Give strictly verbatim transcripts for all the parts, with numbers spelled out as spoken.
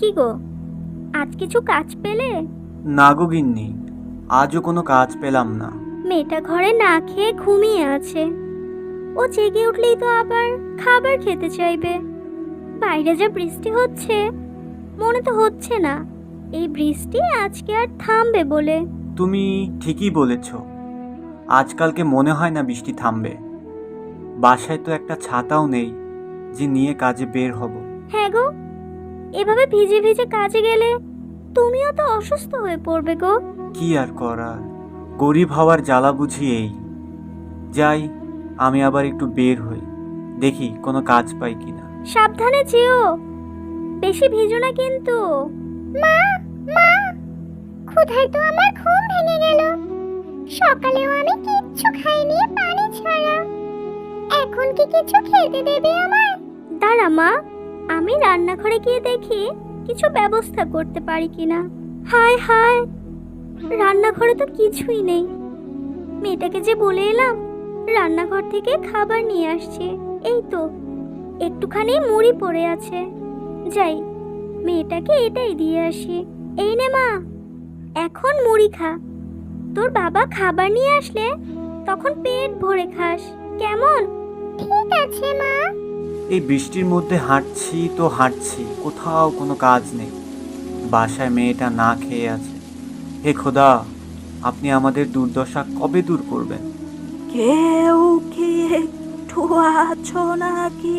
কি গো, আজ কিছু কাজ পেলে? না গো গিন্নি, আজও কোনো কাজ পেলাম না। মেয়েটা ঘরে না খেয়ে ঘুমিয়ে আছে। ও জেগে উঠলেই তো আবার খাবার খেতে চাইবে। বাইরে যা বৃষ্টি হচ্ছে, মনে তো হচ্ছে না এই বৃষ্টি আজকে আর থামবে বলে। তুমি ঠিকই বলেছ, আজকালকে মনে হয় না বৃষ্টি থামবে। বাসায় তো একটা ছাতাও নেই যে নিয়ে কাজে বের হব। হ্যাঁ গো, এভাবে ভিজে ভিজে কাজে গেলে তুমিও তো অসুস্থ হয়ে পড়বে গো। কি আর করার, গরিব হওয়ার জ্বালা বুঝি এই। যাই, আমি আবার একটু বের হই, দেখি কোনো কাজ পাই কিনা। সাবধানে যেও, বেশি ভিজো না কিন্তু। মা, মা, ক্ষুধায় তো আমার ঘুম ভেঙে গেল। সকালেও আমি কিচ্ছু খাইনি পানি ছাড়া। এখন কি কিছু খেতে দেবে আমার? দাঁড়া মা, আমি রান্নাঘরে গিয়ে দেখি কিছু ব্যবস্থা করতে পারি কিনা। হায় হায়, রান্নাঘরে তো কিছুই নেই। মেয়েটাকে যে বলে এলাম রান্নাঘর থেকে খাবার নিয়ে আসছে, এই তো একটুখানি মুড়ি পড়ে আছে। যাই, মেয়েটাকে এটাই দিয়ে আসি। এই নে মা, এখন মুড়ি খা। তোর বাবা খাবার নিয়ে আসলে তখন পেট ভরে খাস, কেমন? ঠিক আছে মা। এই বৃষ্টির মধ্যে হাঁটছি তো হাঁটছি, কোথাও কোনো কাজ নেই। বাসায় মেয়েটা না খেয়ে আছে। হে খোদা, আপনি আমাদের দুর্দশা কবে দূর করবেন? কেউ কি একটু আছো নাকি?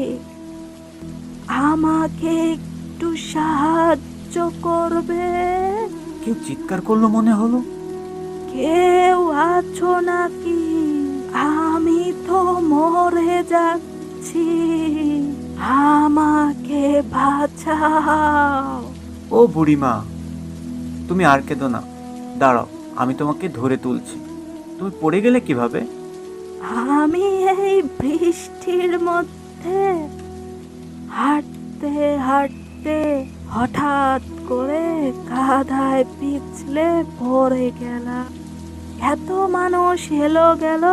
আমাকে একটু সাহায্য করবে? কেউ চিৎকার করলো মনে হলো। কেউ আছো নাকি? আমি তো মরে যাচ্ছি, আমাকে বাঁচাও। ও বুড়িমা, তুমি আর কেঁদো না, দাঁড়াও, আমি তোমাকে ধরে তুলছি। তুমি পড়ে গেলে কিভাবে? আমি এই বৃষ্টির মধ্যে হাঁটতে হাঁটতে হঠাৎ করে কাদায় পিছলে পড়ে গেলাম। এত মানুষ এলো গেল,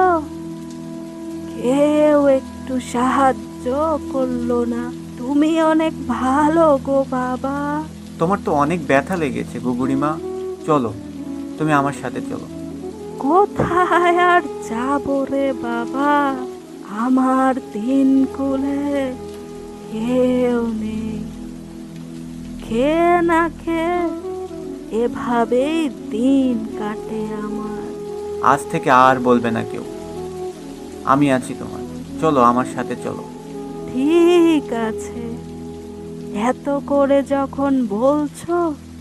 কেউ একটু সাহায্য করলো না। তুমি অনেক ভালো গো বাবা। তোমার তো অনেক ব্যথা লেগেছে গো বুড়িমা, চলো, তুমি আমার সাথে চলো। কোথায় আর যাবো রে বাবা, আমার দিন কুলে কেউ নেই। খেয়ে না খেয়ে এভাবেই দিন কাটে আমার। আজ থেকে আর বলবে না কেউ, আমি আছি তোমার, চলো আমার সাথে চলো। ঠিক আছে, এত করে যখন বলছো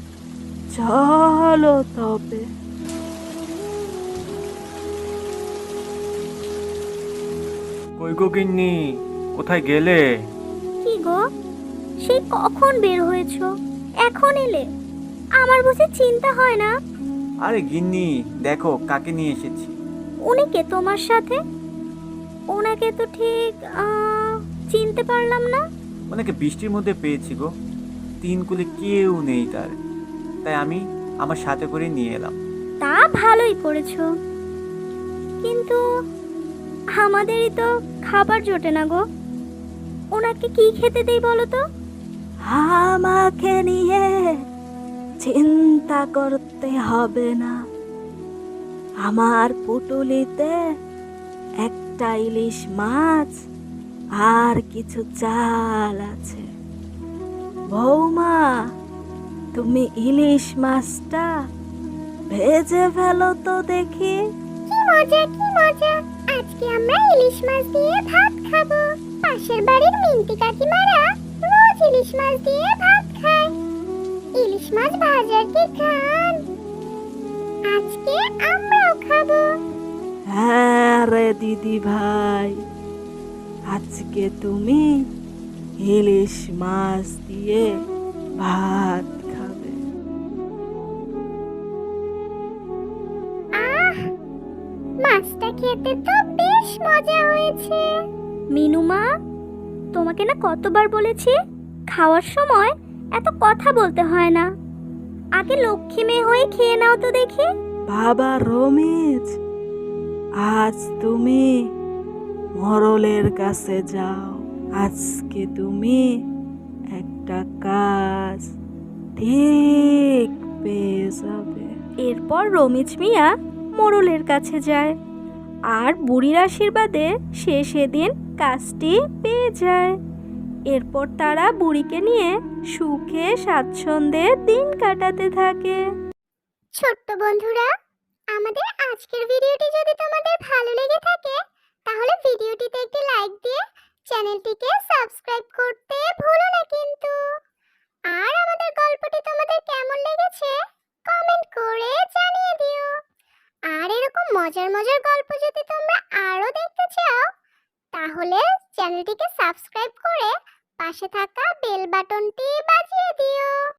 চলো তবে। কই গো গিন্নি, কোথায় গেলে? কি গো, সেই কখন বের হয়েছো, এখন এলে? আমার বুঝি চিন্তা হয় না? আরে গিন্নি, দেখো কাকে নিয়ে এসেছি। উনি কে তোমার সাথে? ওনাকে তো ঠিক আহ, চিনতে পারলাম না। ওনাকে বৃষ্টির মধ্যে পেয়েছি গো, তিন কুলে কেউ নেই তার, তাই আমি আমার সাথে করে নিয়ে এলাম। তা ভালোই করেছো, কিন্তু আমাদেরই তো খাবার জোটে না গো। ওনাকে কি খেতে দেই বলো তো? আমাকে নিয়ে চিন্তা করতে হবে না, আমার পুটুলিতে একটা ইলিশ মাছ আর কিছু চাল আছে। বৌমা, তুমি ইলিশ মাছটা ভেজে ফেলো তো দেখি। কি মজা, কি মজা, আজকে আমরা ইলিশ মাছ দিয়ে ভাত খাবো। পাশের বাড়ির মিন্টি কাকিমারা রোজ ইলিশ মাছ দিয়ে ভাত খায়। ইলিশ মাছ ভাজার কি খান, আজকে আমরাও খাবো। হ্যাঁ রে দিদি ভাই, আজকে তুমি ইলিশ মাছ দিয়ে ভাত খাবে। আহ, মাছটা খেতে তো বেশ মজা হয়েছে। মিনুমা, তোমাকে না কতবার বলেছি খাওয়ার সময় এত কথা বলতে হয় না। আগে লক্ষ্মী মেয়ে হয়ে খেয়ে নাও তো দেখি। বাবা রমেশ, আজ তুমি মরলের কাছে যাও, আজকে তুমি একটা কাজ ঠিক পেয়ে যাবে। এরপর রমিজ মিয়া মোড়লের কাছে যায় আর বুড়ির আশীর্বাদে সে সেদিন কাজটি পেয়ে যায়। এরপর তারা বুড়িকে নিয়ে সুখে স্বাচ্ছন্দ্যে দিন কাটাতে থাকে। ছোট্ট বন্ধুরা, আমাদের আজকের ভিডিওটি যদি তোমাদের ভালো লেগে থাকে তাহলে ভিডিওটিতে একটি লাইক দিয়ে চ্যানেলটিকে সাবস্ক্রাইব করতে ভুলো না কিন্তু। আর আমাদের গল্পটি তোমাদের কেমন লেগেছে কমেন্ট করে জানিয়ে দিও। আর এরকম মজার মজার গল্প যদি তোমরা আরো দেখতে চাও তাহলে চ্যানেলটিকে সাবস্ক্রাইব করে পাশে থাকা বেল বাটনটি বাজিয়ে দিও।